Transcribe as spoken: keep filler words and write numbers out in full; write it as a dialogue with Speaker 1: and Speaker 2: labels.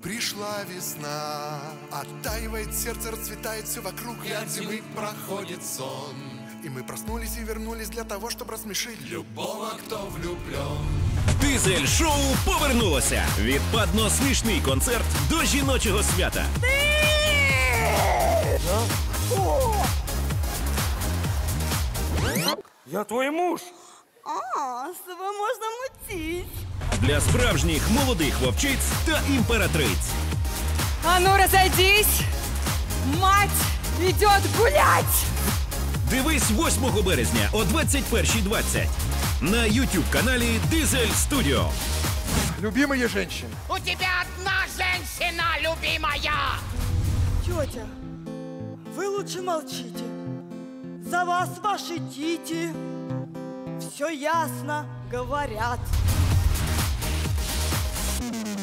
Speaker 1: Пришла весна, оттаивает сердце, расцветает все вокруг, и от зимы проходит сон. И мы проснулись и вернулись для того, чтобы рассмешить любого, кто влюблен.
Speaker 2: Дизель шоу повернулося. Відпадно смішний концерт до жіночого свята.
Speaker 3: Я твой муж.
Speaker 4: А, з тобою можна мутіть.
Speaker 2: Для справжніх молодих вовчиць та імператриць.
Speaker 4: А ну разойдись! Мать идет гулять!
Speaker 2: Дивись восьмого березня о двадцять першій двадцять на ютуб-каналі Дизель Студіо.
Speaker 1: Любимые женщины.
Speaker 5: У тебя одна женщина, любимая!
Speaker 4: Тетя, вы лучше молчите. За вас ваши тити все ясно говорят.